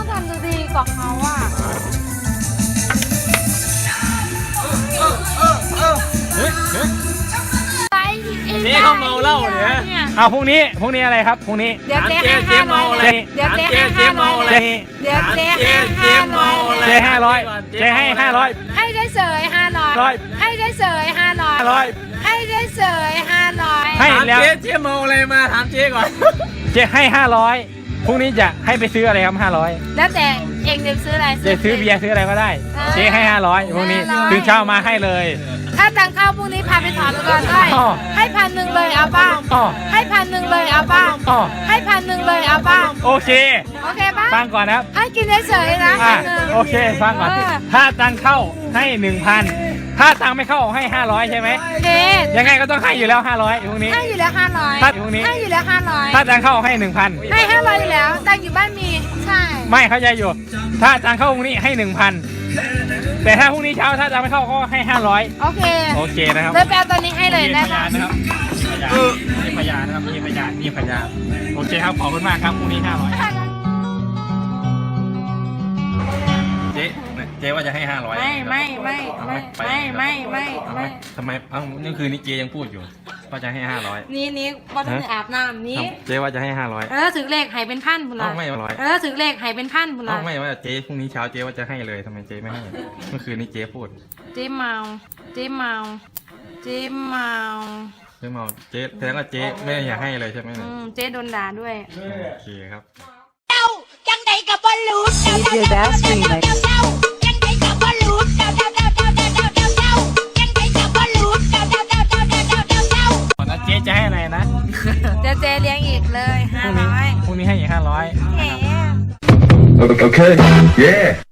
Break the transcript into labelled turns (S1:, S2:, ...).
S1: ต้องทำดูดีกว่าเขาอ่ะ
S2: เจ๊เขาเมาเหล้าเนี่ยเอาพรุ่งนี้อะไรครับพรุ่งนี้
S1: เดี๋ยวเจ๊ให้500เดี๋ยวเจ๊ให้500เดี๋ยวเจ๊ให้500
S2: เจ๊500เจ๊ให้500
S1: ให้ได้เสย500ให้ได้เสย500ให้ได้เสย500
S2: ให้แล้ว
S3: เจ๊เมาอะไรมาถามเจ๊ก่อน
S2: เจ๊ให้500พรุ่งนี้จะให้ไปซื้ออะไรครับ500
S1: แล้วแต่เองจะซื้ออะไร
S2: จะซื้อเบียร์ซื้ออะไรก็ได้เจ๊ให้500พรุ่งนี้ถึงเช้ามาให้เลย
S1: ถ้าตังเข้าพรุ่งนี้พาไปถอนก่อนได้ให้1,000เลยเอาบ้างให้1,000เลยเอาบ้างให้1,000เลยเอาบ้าง
S2: โอเค
S1: ป่ะ
S2: ฟังก่อนนะครับ
S1: ให้กินเฉยๆนะ
S2: โอเคฟังก่อนถ้าตังเข้าให้ 1,000ถ้าตังไม่เข้าให้500ใช่ไหมยังไงก็ต้องให้อยู่แล้ว500พรุ่งนี้
S1: ให้อยู่แล้ว500
S2: ถ้าพรุ่งนี้
S1: ให้อยู่แล้ว500
S2: ถ้าตังเข้าให้ 1,000
S1: ให้500อยู่แล้วตังอยู่บ้านมีใช่
S2: ไม่เข้าใจอยู่ถ้าตังเข้าพรุ่งนี้ให้ 1,000แต่ถ้าพรุ่งนี้เช้าถ้าตังไม่เข้าก็ให้500โอเคนะครับ
S1: เลยแปลตอนนี้ให้เลยได้ไหม
S2: นะครับมีพยานนะครับมีพยานโอเคครับขอบคุณมากครับพรุ่งนี้500เจ๊ว่าจะให้500
S1: ไม่
S2: ทำไมนี่คือนี่เจ๊ยังพูดอยู่ว่าจะให้500
S1: นี่ว่าต้องอาบน้ำนี้
S2: เจ๊ว่าจะให้500
S1: ถึงเลขหายเป็นพันพุ่นละ
S2: ไม่
S1: ถึงเลขหายเป็นพันพุ่นละ
S2: ไม่ว่าเจ๊พรุ่งนี้เช้าเจ๊ว่าจะให้เลยทำไมเจ๊ไม่ให้เมื่อคืนนี้เจ๊พูด
S1: เจ๊เมาเจ๊
S2: แสดงว่าเจ๊ไม่อยากให้เลยใช่ไหม
S1: เจ๊โดนด่าด้วย
S2: โอเคครับ
S4: จังใดกับบอลลูน
S2: เจ๊จะให้อะไรนะ
S1: เจ๊เลี้ยงอีกเลย500
S2: พรุ่งนี้ให้อีก500
S4: โอเค yeah